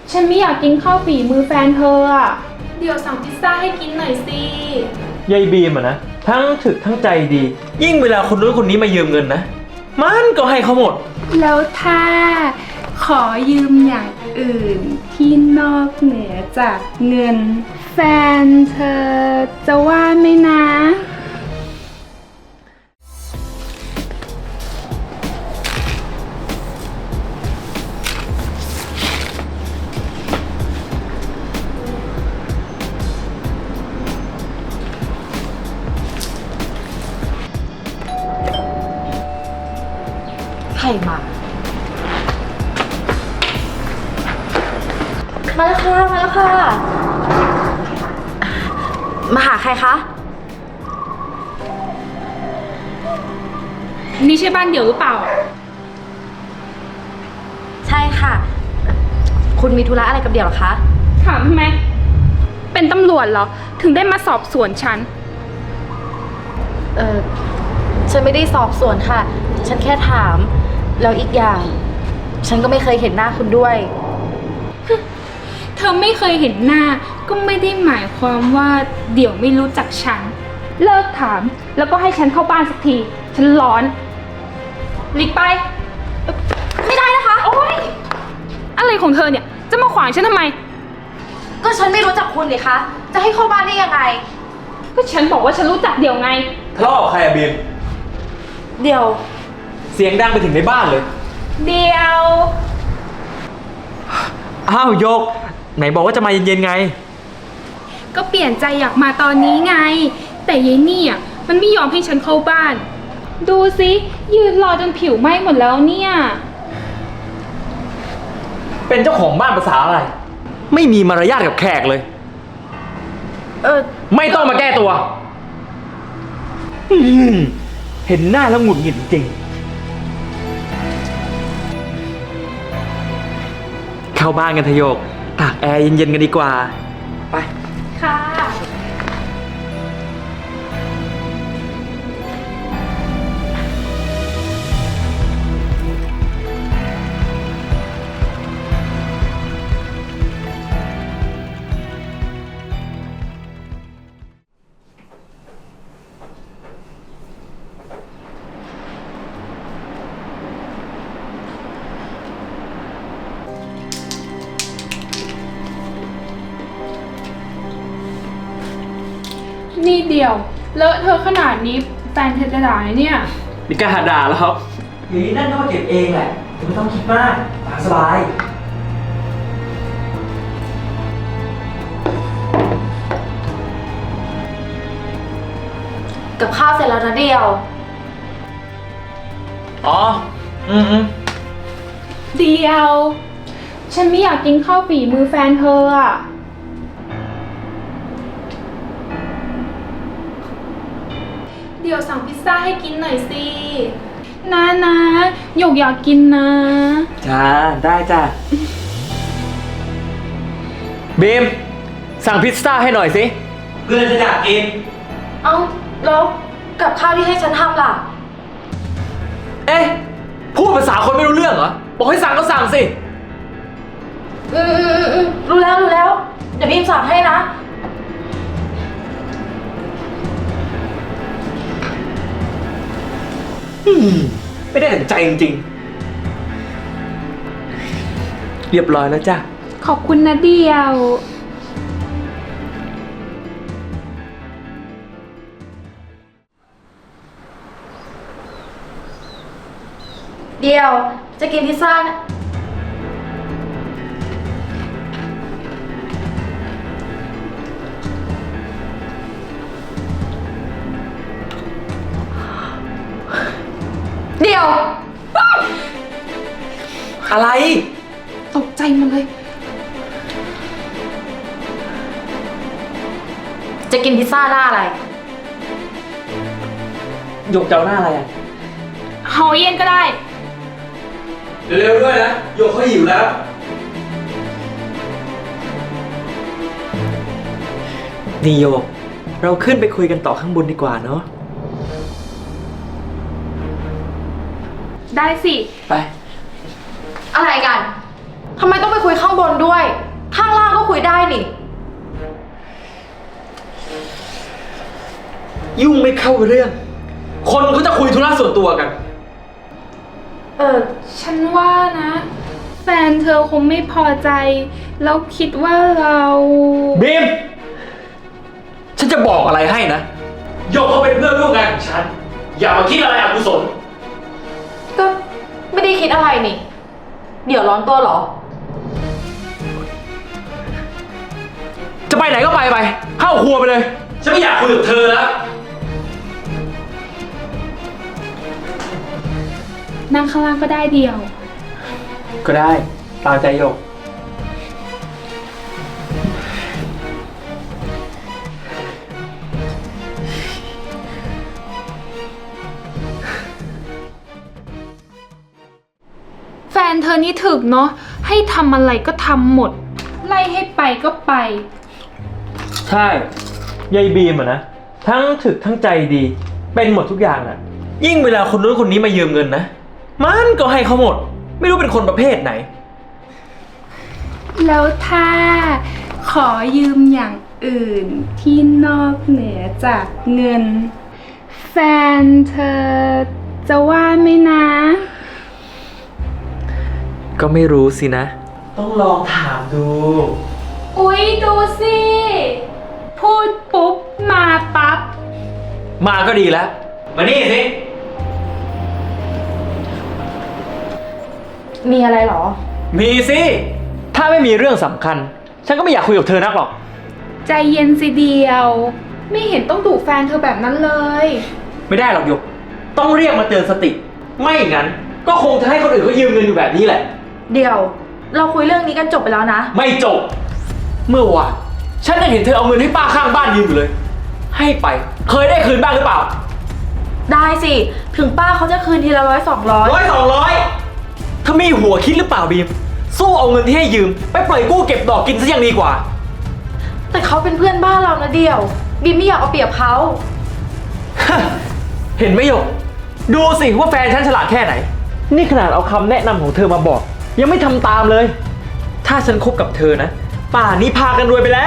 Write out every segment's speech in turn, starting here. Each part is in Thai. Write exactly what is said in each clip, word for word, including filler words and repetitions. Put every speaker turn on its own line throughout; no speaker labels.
ฉันไม่อยากกินข้าวฝีมือแฟนเธออ่ะเดี๋ยวสั่งพิซซ่าให้กินหน่อยสิ
ยายบีมอะนะทั้งถึกทั้งใจดี ยิ่งเวลาคนนู้นคนนี้มายืมเงินนะมันก็ให้เขาหมด
แล้วถ้าขอยืมอย่างอื่นที่นอกเหนือจากเงินแฟนเธอจะว่าไหมนะ
ใครมา มาแล้วค่ะ มาแล้วค่ะ มาหาใครคะ
นี่ใช่บ้านเดี่ยวหรือเปล่า
ใช่ค่ะ คุณมีธุระอะไรกับเดี่ยวเหรอคะ
ถามทำไม เป็นตำรวจเหรอ ถึงได้มาสอบสวนฉัน
เออฉันไม่ได้สอบสวนค่ะ ฉันแค่ถาม แล้วอีกอย่าง ฉันก็ไม่เคยเห็นหน้าคุณด้วย
เธอไม่เคยเห็นหน้าก็ไม่ได้หมายความว่าเดี๋ยวไม่รู้จักฉัน เลิกถามแล้วก็ให้ฉันเข้าบ้านสักที ฉันร้อนหลีกไป
ไม่ได้นะคะ
โอ๊ยอะไรของเธอเนี่ย จะมาขวางฉันทำไม
ก็ฉันไม่รู้จักคุณเลยคะ จะให้เข้าบ้านได้ยังไง
ก็ฉันบอกว่าฉันรู้จักเดี่ยวไง
ทะเลาะกับใครอะบีม
เดี๋ยว
เสียงดังไปถึงในบ้านเลย
เดียว
อ้าวโยก ไหนบอกว่าจะมาเย็นๆไง
ก็เปลี่ยนใจอยากมาตอนนี้ไง แต่ยายนี่อ่ะมันไม่ยอมให้ฉันเข้าบ้าน ดูสิยืนรอจนผิวไหม้หมดแล้วเนี่ย
เป็นเจ้าของบ้านภาษาอะไร ไม่มีมารยาทกับแขกเลย
เออ
ไม่ต้องมาแก้ตัวอืมเห็นหน้าแล้วหงุดหงิดจริง เข้าบ้านกันเถอะโยก ตากแอร์เย็นๆกันดีกว่า ไป
ค่ะ นี่เดียว เลอะเธอขนาดนี้แฟนเธอจะด่าไหมเนี่ย
มีการหาด่าแล้วครับอย่างนี้นั่นก็มาเก็บเองแหละไม่ต้องคิดมากตามสบาย
กับข้าวเสร็จแล้วนะเดียว
อ๋อ อืมอืม
เดียว ฉันไม่อยากกินข้าวฝีมือแฟนเธออะเดี๋ยวสั่งพิซซ่าให้กินหน่อยสินะนะหยกอยากกินนะ
จ้า ได้จ้าบีม สั่งพิซซ่าให้หน่อยสิ เพื่อนจะอยากกิน
เอ้า แล้วกับข้าวที่ให้ฉันทำล่ะ
เอ๊ะ พูดภาษาคนไม่รู้เรื่องเหรอ บอกให้สั่งก็สั่งสิ
อืมอืมอืมรู้แล้วรู้แล้ว เดี๋ยวบีมสั่งให้นะ
อืม ไม่ได้ถึงใจจริงๆ เรียบร้อยแล้วจ้ะ
ขอบคุณนะเดียว
เดียว จะกินพิซซ่านะเดียว
อะไร
ตกใจหมันเลย
จะกินพิซซ่าหน้าอะไร
หยกเจ้าหน้าอะไรอ่ะ
เฮาเย็นก็ได้
เร็วๆด้วยนะหยกเขาหิวแล้ว นี่โยก เราขึ้นไปคุยกันต่อข้างบนดีกว่าเนาะ
ได้สิ
ไป
อะไรกันทำไมต้องไปคุยข้างบนด้วย ข้างล่างก็คุยได้นี่
ยุ่งไม่เข้าเรื่อง คนเขาจะคุยธุระส่วนตัวกัน
เออ
ฉันว่านะ แฟนเธอคงไม่พอใจ แล้วคิดว่าเรา
บีม ฉันจะบอกอะไรให้นะหยกเขาเป็นเพื่อนร่วมงานของฉัน อย่ามาคิดอะไรอกุศล
ก็ไม่ได้คิดอะไรนี่ เดี๋ยวร้อนตัวเหรอ
จะไปไหนก็ไปไป เข้าครัวไปเลย ฉันไม่อยากคุยกับเธอแล้ว
นั่งข้างล่างก็ได้เดียว
ก็ได้ ตามใจหยก
แฟนเธอนี่ถึกเนาะ ให้ทำอะไรก็ทำหมด ไล่ให้ไปก็ไป
ใช่ยายบีมอะนะ ทั้งถึกทั้งใจดี เป็นหมดทุกอย่างอะยิ่งเวลาคนนู้นคนนี้มายืมเงินนะ มันก็ให้เขาหมด ไม่รู้เป็นคนประเภทไหน
แล้วถ้าขอยืมอย่างอื่นที่นอกเหนือจากเงิน แฟนเธอจะว่าไหมนะ
ก็ไม่รู้สินะ ต้องลองถามดู
อุ๊ย ดูสิ พูดปุ๊บ มาปั๊บ
มาก็ดีแล้ว มานี่สิ
มีอะไรเหรอ
มีสิ ถ้าไม่มีเรื่องสำคัญ ฉันก็ไม่อยากคุยกับเธอนักหรอก
ใจเย็นสิเดียว ไม่เห็นต้องดุแฟนเธอแบบนั้นเลย
ไม่ได้หรอกหยก ต้องเรียกมาเตือนสติ ไม่งั้น ก็คงจะให้คนอื่นเขายืมเงินอยู่แบบนี้แหละ
เดี๋ยว เราคุยเรื่องนี้กันจบไปแล้วนะ
ไม่จบ เมื่อวานฉันยังเห็นเธอเอาเงินให้ป้าข้างบ้านยืมอยู่เลย ให้ไป เคยได้คืนบ้างหรือเปล่า
ได้สิ ถึงป้าเขาจะคืนทีละร้อยสองร้อย
ร้อยสองร้อยถ้ามีหัวคิดหรือเปล่าบีม สู้เอาเงินที่ให้ยืม ไปปล่อยกู้เก็บดอกกินซะยังดีกว่า
แต่เขาเป็นเพื่อนบ้านเรานะเดียว บีมไม่อยากเอาเปรียบเขา
เห็นไหมหยก ดูสิว่าแฟนฉันฉลาดแค่ไหน นี่ขนาดเอาคำแนะนำของเธอมาบอก ยังไม่ทำตามเลย ถ้าฉันคบกับเธอนะ ป่านนี้พากันรวยไปแล้ว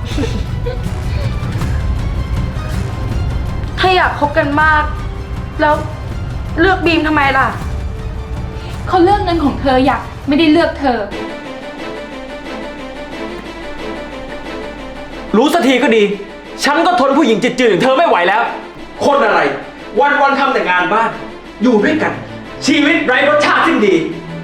ถ้าอยากคบกันมาก แล้วเลือกบีมทำไมล่ะ
เขาเลือกเงินของเธออยากไม่ได้เลือกเธอ
รู้สักทีก็ดี ฉันก็ทนผู้หญิงจืดๆอย่างเธอไม่ไหวแล้ว คนอะไร วันๆทำแต่งานบ้าน อยู่ด้วยกัน ชีวิตไร้รสชาติสิ้นดี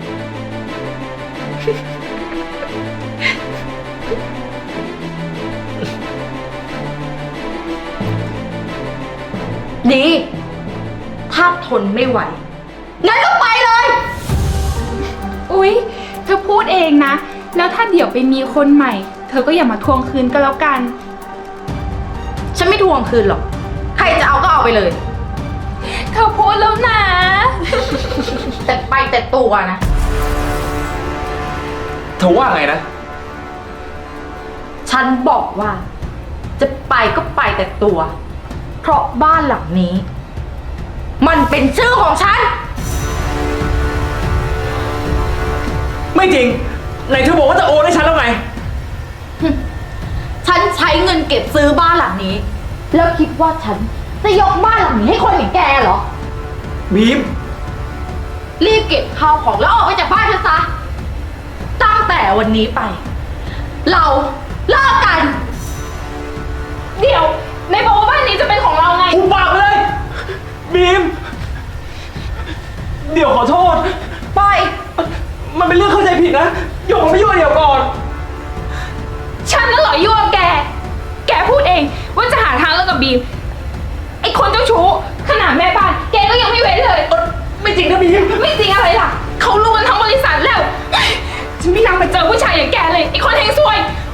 ดี ถ้าทนไม่ไหว งั้นก็ไปเลย
อุ๊ย เธอพูดเองนะ แล้วถ้าเดี๋ยวไปมีคนใหม่ เธอก็อย่ามาทวงคืนก็แล้วกัน
ฉันไม่ทวงคืนหรอก ใครจะเอาก็เอาไปเลย
เธอพูดแล้วนะ
แต่ไปแต่ตัวนะ
เธอว่าไงนะ
ฉันบอกว่า จะไปก็ไปแต่ตัว เพราะบ้านหลังนี้ มันเป็นชื่อของฉัน
ไม่จริง ไหนเธอบอกว่าจะโอนให้ฉันแล้วไง
ฉันใช้เงินเก็บซื้อบ้านหลังนี้ แล้วคิดว่าฉันจะยกบ้านหลังนี้ให้คนอย่างแกเหรอ
บีม
รีบเก็บข้าวของแล้วออกไปจากบ้านฉันซะ ตั้งแต่วันนี้ไป เราเลิกกัน
เดี๋ยวในบอกว่าบ้านนี้จะเป็นของเราไง
หุบปากไปเลย บีม เดี๋ยวขอโทษ
ปล่อย
มันเป็นเรื่องเข้าใจผิดนะหยกมันไม่ยุ่งเดี๋ยวก่อน
ฉันน่ะเหรอยั่วแก แกพูดเองว่าจะหาทางเลิกกับบีม ไอ้คนเจ้าชู้ขนาดแม่บ้าน แกก็ยังไม่เว้นเลย
ไม่จริงนะบีม
ไม่จริงอะไรล่ะ เขารู้กันทั้งบริษัทแล้วฉันไม่อยากไปเจอผู้ชายอย่างแกเลย ไอ้คนเฮงซวย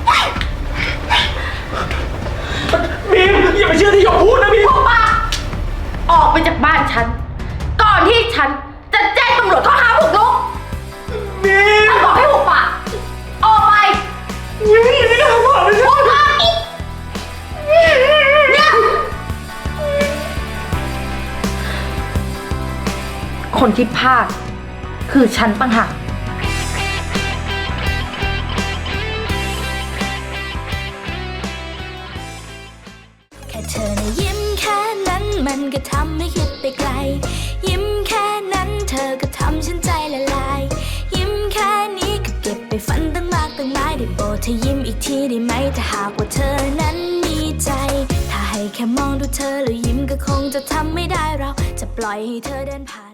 บีมอย่าไปเชื่อที่หยกพูดนะบีม
พวกป้าออกไปจากบ้านฉัน ก่อนที่ฉันจะแจ้งตำรวจข้อหาบุกรุก
บีม
ฉันบอกให้หุบปากออกไป
บีมอย่าทำแบบนี้
หุบปากอีกเนี่ยคนที่พลาดคือฉันต่างหาก
ก็ทำให้คิดไปไกล ยิ้มแค่นั้นเธอก็ทำฉันใจละลาย ยิ้มแค่นี้ก็เก็บไปฝันตั้งมากตั้งหลายได้โปรดเธอยิ้มอีกทีได้ไหมถ้าหากว่าเธอนั้นมีใจ ถ้าให้แค่มองดูเธอแล้วยิ้มก็คงจะทำไม่ได้เราจะปล่อยให้เธอเดินผ่าน